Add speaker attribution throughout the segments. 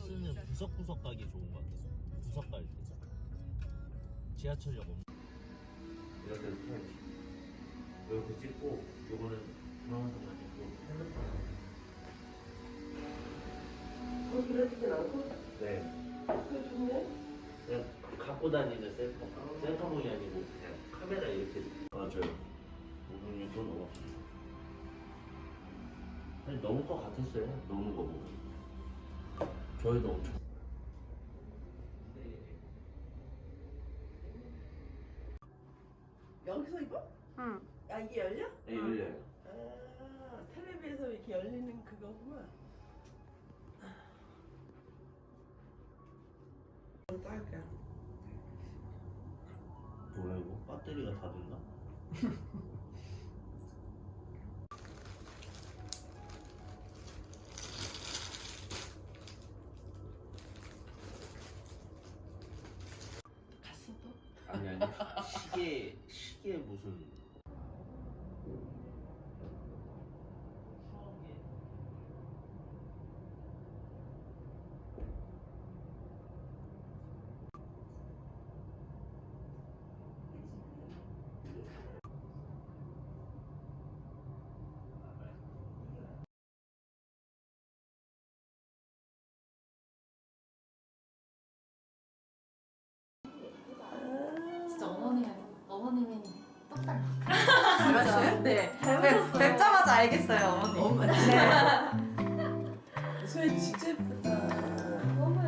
Speaker 1: 버스는 구석구석 가기 좋은 것 같아요. 구석 갈 때. 지하철역 없는. 이렇게 해야지. 이렇게 찍고, 요거는 중앙선만 찍고, 핸드폰.
Speaker 2: 그러지진 않고?
Speaker 1: 네.
Speaker 2: 그게 좋네?
Speaker 1: 그냥 갖고 다니는 셀카봉이 아니고, 그냥 카메라 이렇게. 맞아요. 5분 6분 넘었어요. 아니, 너무 거 같았어요. 노는 거 보고. 저희도 엄청.
Speaker 2: 여기서 입어?
Speaker 3: 응.
Speaker 2: 아, 이게 열려?
Speaker 1: 네, 열려요.
Speaker 2: 아, 텔레비에서 이렇게 열리는 그거구나. 딸까?
Speaker 1: 뭐야, 이거? 배터리가 다 됐나?
Speaker 2: 갔어 또?
Speaker 1: 아니, 시계 무슨.
Speaker 3: 진짜 어머님이 똑 닮았어요.
Speaker 2: 닮았어요?
Speaker 3: 네.
Speaker 2: 닮으셨어요.
Speaker 3: 뵙자마자 알겠어요, 어머니.
Speaker 2: 어머,
Speaker 3: 네.
Speaker 2: 소혜 진짜 예쁘다.
Speaker 3: 너무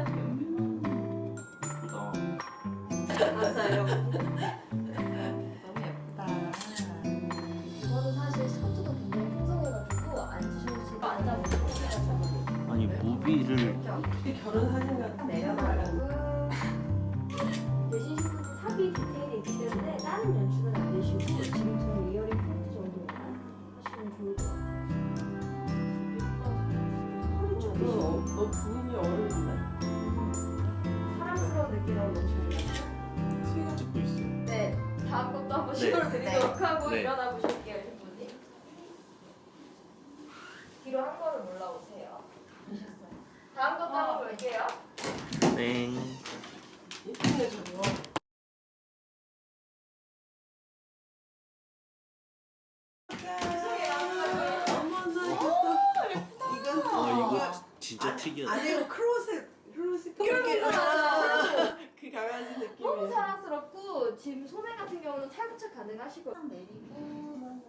Speaker 1: 예쁘다.
Speaker 3: 맞아요. 너무 예쁘다.
Speaker 4: 저는 사실 스커트도 굉장히 풍성해가지고 앉으시고 앉아보시고
Speaker 1: 아니, 무비를.
Speaker 2: 이 결혼 사진 같은
Speaker 4: 내려가고 대신 신부도 탑이 디테일이 있기 때문에 다른 연출은 안 되시고 지금처럼 이어링 포인트 정도만 하시면 좋을 것 같아요.
Speaker 2: 너 부인이 어른이다.
Speaker 4: 사랑스러운 느낌으로 너무 좋아요.
Speaker 2: 수희가
Speaker 1: 찍고 있어요.
Speaker 4: 네, 다음 것도 한번
Speaker 1: 네.
Speaker 4: 시도를 드리도록 하고
Speaker 1: 네.
Speaker 4: 일어나 보실게요, 신부님. 뒤로 한 걸음 올라오세요. 보셨어요? 다음 것도 한번 볼게요.
Speaker 1: 땡.
Speaker 2: 예쁘네 저거. 어머나 예쁘다.
Speaker 1: 이거 진짜 특이하다.
Speaker 2: 아니 이거 클로셋 그 강아지
Speaker 4: 너무
Speaker 2: 느낌이.
Speaker 4: 사랑스럽고 지금 소매 같은 경우는 탈부착 가능하시고 내리고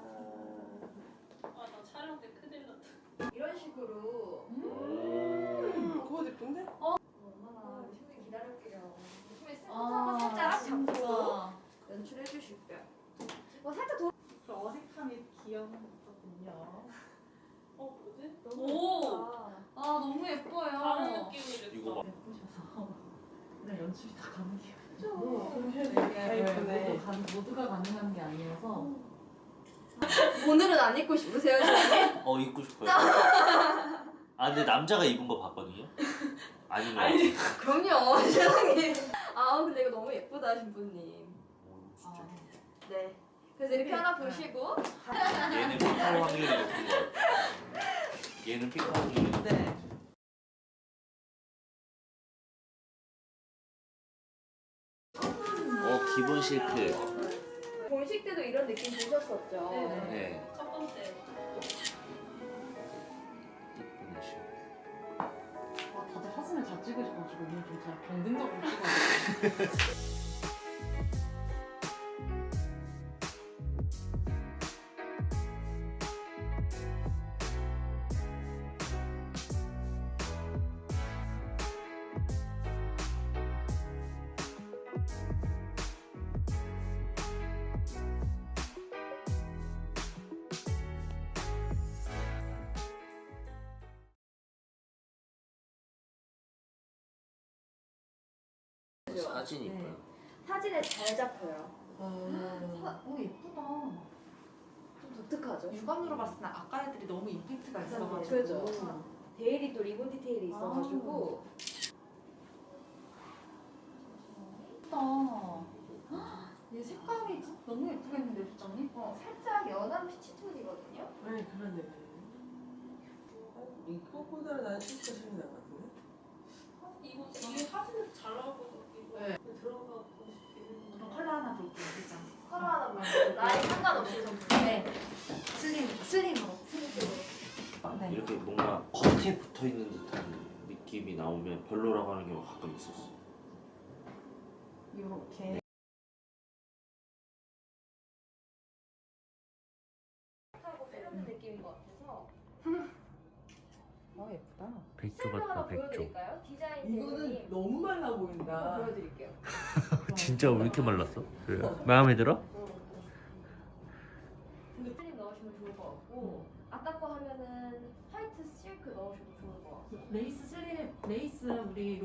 Speaker 5: 아, 나 촬영 때 큰일 났다.
Speaker 4: 이런 식으로
Speaker 2: 그거 예쁜데?
Speaker 4: 얼마나 신부님 기다릴게요. 신부님 스부터 한번 살짝 잡고 연출해 주실게요. 살짝 더
Speaker 3: 그 어색함이 귀여웠거든요.
Speaker 5: 뭐지?
Speaker 4: 너무
Speaker 5: 오!
Speaker 4: 예쁘다.
Speaker 3: 아, 너무 예뻐요.
Speaker 5: 다른 느낌을
Speaker 1: 이거 봐.
Speaker 3: 예쁘셔서 그냥 연출이 다 가능해요.
Speaker 2: 그렇게 다 예쁘네.
Speaker 3: 모두가 가능한 게 아니어서
Speaker 4: 오늘은 안 입고 싶으세요, 신부님?
Speaker 1: 입고 싶어요. 아, 근데 남자가 입은 거 봤거든요? 아닌 거 같아요.
Speaker 4: 그럼요, 세상에. 근데 이거 너무 예쁘다, 신부님.
Speaker 1: 진짜.
Speaker 4: 네. 그래서 이렇게 하나 보시고
Speaker 1: 얘는 픽할 확률이 높은 거 같아. 얘는 픽할 확률이 높은 거
Speaker 3: 네.
Speaker 1: 같아. 기본 실크.
Speaker 4: 본식 때도 이런 느낌 보셨었죠?
Speaker 5: 네네.
Speaker 1: 네.
Speaker 5: 첫 번째.
Speaker 1: 이쁜 실크.
Speaker 3: 와, 다들 사진을 잘 찍으셔가지고 오늘 좀 제가 경쟁적으로 찍어요.
Speaker 1: 사진 이뻐요.
Speaker 4: 사진에 잘 잡혀요.
Speaker 3: 예쁘다.
Speaker 4: 좀 독특하죠?
Speaker 3: 육안으로 봤을 때 아까 애들이 너무 임팩트가 있어가지고.
Speaker 4: 그죠. 데일이 또 리본 디테일이 있어가지고
Speaker 3: 예쁘다. 얘 색감이 너무 예쁘겠는데, 부장님?
Speaker 4: 살짝 연한 피치톤이거든요.
Speaker 2: 네 그런데 이거보다는 난 실컷 신이 나거든요.
Speaker 5: 이거 사진에서 잘 나오거든. 이거
Speaker 3: 네.
Speaker 5: 들어가고 싶기는.
Speaker 3: 그럼 컬러 하나 볼게요. 진짜.
Speaker 4: 컬러 하나 말고 나이 상관없이 좀 네. 슬림으로.
Speaker 3: 네.
Speaker 1: 이렇게 뭔가 겉에 붙어 있는 듯한 느낌이 나오면 별로라고 하는 경우가 가끔 있었어.
Speaker 3: 이렇게.
Speaker 4: 하고 세련된 느낌인 것 같아서
Speaker 3: 예쁘다.
Speaker 1: 백조
Speaker 4: 셀프 하나
Speaker 1: 같다, 백조.
Speaker 4: 보여드릴까요? 디자인
Speaker 2: 이거는
Speaker 4: 대표님
Speaker 2: 너무 말라
Speaker 4: 한번
Speaker 2: 보인다.
Speaker 4: 보여드릴게요.
Speaker 1: 진짜 왜 이렇게 말랐어? 마음에 들어?
Speaker 4: 슬림 넣으시면 좋을 것 같고 아까 거 하면은 화이트 실크 넣으셔도 좋을 것 같고
Speaker 3: 레이스 슬립, 레이스 우리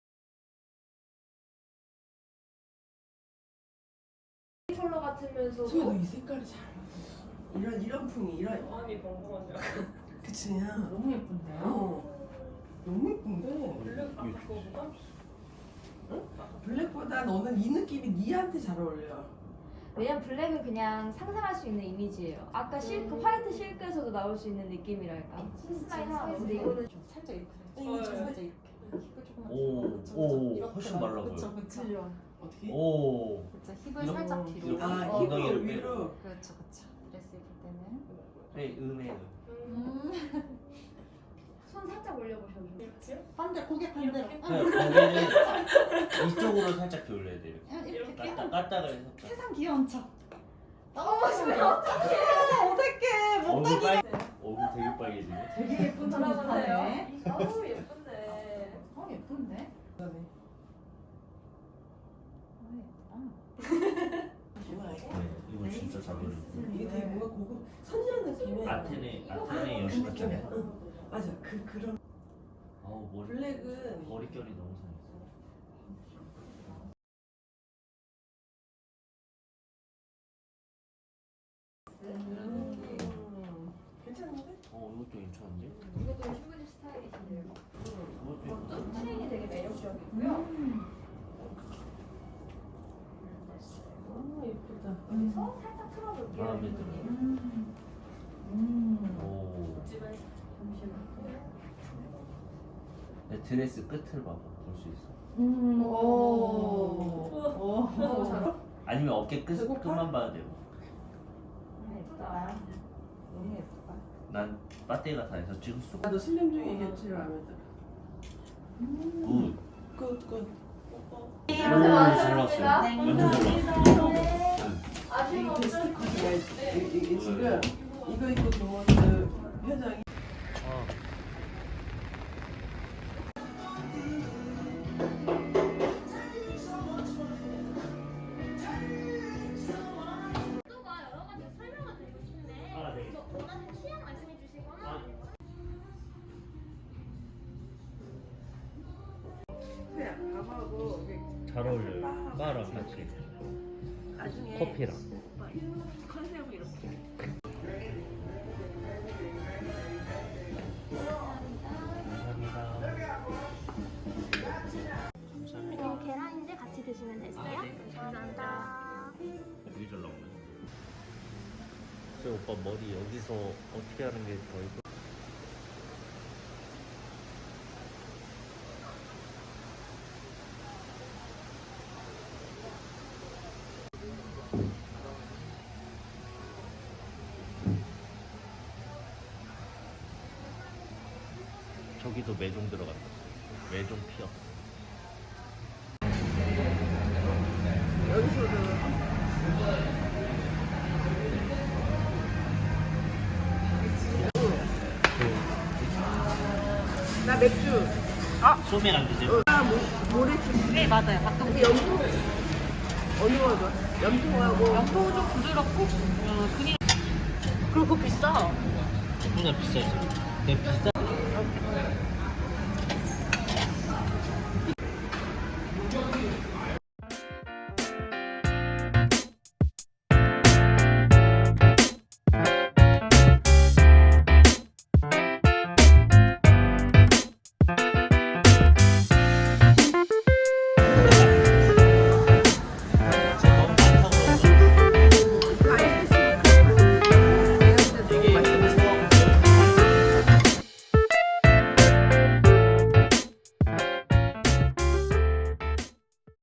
Speaker 4: 컬러 같으면서도
Speaker 2: 소희도 이 색깔이 잘 맞아. 이런 풍이 이런.
Speaker 5: 마음이 벙벙하냐.
Speaker 2: 그치야.
Speaker 3: 너무 예쁜데요?
Speaker 2: 너무 예쁜데.
Speaker 5: 블랙 아까 그거보다?
Speaker 2: 블랙보다 너는 이 느낌이 니한테 잘 어울려.
Speaker 4: 왜냐면 블랙은 그냥 상상할 수 있는 이미지예요. 아까 실크, 화이트 실크에서도 나올 수 있는 느낌이랄까. 시스라인 하나 근데 이거는
Speaker 3: 좀 살짝 이렇게.
Speaker 2: 어,
Speaker 3: 살짝 이렇게. 힙을 조금만.
Speaker 1: 오,
Speaker 3: 그쵸, 그쵸.
Speaker 1: 오,
Speaker 3: 이렇게
Speaker 1: 훨씬
Speaker 3: 나와.
Speaker 1: 말라
Speaker 3: 그쵸,
Speaker 1: 보여.
Speaker 3: 그쵸.
Speaker 2: 어떻게?
Speaker 1: 오.
Speaker 3: 그쵸, 힙을
Speaker 1: 이렇게,
Speaker 3: 살짝 뒤로.
Speaker 1: 이렇게.
Speaker 2: 아,
Speaker 1: 엉덩이를
Speaker 2: 이거
Speaker 1: 빼.
Speaker 2: 위로.
Speaker 3: 그렇죠, 그렇죠. 드레스 입을 때는.
Speaker 1: 네, 은혜.
Speaker 4: 손 살짝 올려보셔도 돼요.
Speaker 5: 이렇게요?
Speaker 3: 반대, 고개 반대로.
Speaker 1: 고개는 이쪽으로 살짝 기울여야 돼. 이렇게.
Speaker 5: 이렇게?
Speaker 1: 까딱을 해서.
Speaker 3: 세상 귀여운 척.
Speaker 4: 너무 심해. 어떡해.
Speaker 3: 어색해.
Speaker 1: 얼굴 빨. 얼굴 되게 빨개지네.
Speaker 3: 되게 예쁜 척
Speaker 4: 돌아보세요.
Speaker 3: 하네.
Speaker 4: 너무 예쁜데.
Speaker 3: 예쁜데?
Speaker 2: 좋아.
Speaker 1: 네, 이거 진짜 잘 어울려.
Speaker 2: 이게 되게 뭔가 고급 선녀 느낌의.
Speaker 1: 아테네 여신 같지 않아?
Speaker 2: 응. 맞아. 그런
Speaker 1: 아우 머리.
Speaker 2: 블랙은
Speaker 1: 머릿결이 너무 상했어.
Speaker 2: 괜찮은데?
Speaker 1: 이것도 괜찮은데?
Speaker 4: 이것도 신부님 스타일이신데요.
Speaker 1: 이것도
Speaker 4: 이것도 트레인이 되게 매력적이고요.
Speaker 2: 예쁘다.
Speaker 4: 그래서 살짝 틀어볼게요.
Speaker 1: 마음에 들어.
Speaker 4: 신부님.
Speaker 1: 오.
Speaker 5: 집에서.
Speaker 4: 잠시만요.
Speaker 1: 내 드레스 끝을 봐봐. 볼 수 있어.
Speaker 3: 오.
Speaker 4: 너무 잘 어울려.
Speaker 1: 아니면 어깨
Speaker 2: 배고파?
Speaker 1: 끝만 봐도 돼요.
Speaker 3: 예쁘다. 너무 예쁘다.
Speaker 1: 난 빠떼가 다 해서 찍었어.
Speaker 2: 나도 슬림 중에 이게 제일 마음에 들어.
Speaker 1: 굿.
Speaker 2: 굿.
Speaker 1: 잘
Speaker 4: 고생 많으셨습니다.
Speaker 1: 나왔어요. 완전 잘 나왔어.
Speaker 4: 아쉬운 거
Speaker 2: 이게
Speaker 4: 없죠?
Speaker 2: 스티커가 이게 지금 이거 입고 들어오는 표정이.
Speaker 6: 또가 여러 가지 설명을 드리고 싶은데
Speaker 1: 네.
Speaker 6: 뭐 원하는 취향 말씀해 주시거나
Speaker 2: 그냥 밥하고 이렇게
Speaker 1: 잘 어울려요. 바랑 같이.
Speaker 2: 나중에
Speaker 1: 커피랑.
Speaker 2: 컨셉을 이렇게.
Speaker 1: 감사합니다.
Speaker 6: 이거 계란인데 같이 드시면 되세요. 감사합니다.
Speaker 1: 되게 잘 나오네. 저 오빠 머리 여기서 어떻게 하는 게 더 예뻐? 저기도 매종 들어간다. 매종 피어.
Speaker 2: 나 맥주.
Speaker 1: 소맥 안 드세요?
Speaker 2: 모래집.
Speaker 3: 네, 맞아요. 가끔
Speaker 2: 염통. 어느 거 좋아? 염통하고.
Speaker 3: 연포 좀 부드럽고 그냥 그리고 비싸.
Speaker 1: 그보다 비싸지. 근데 비싸.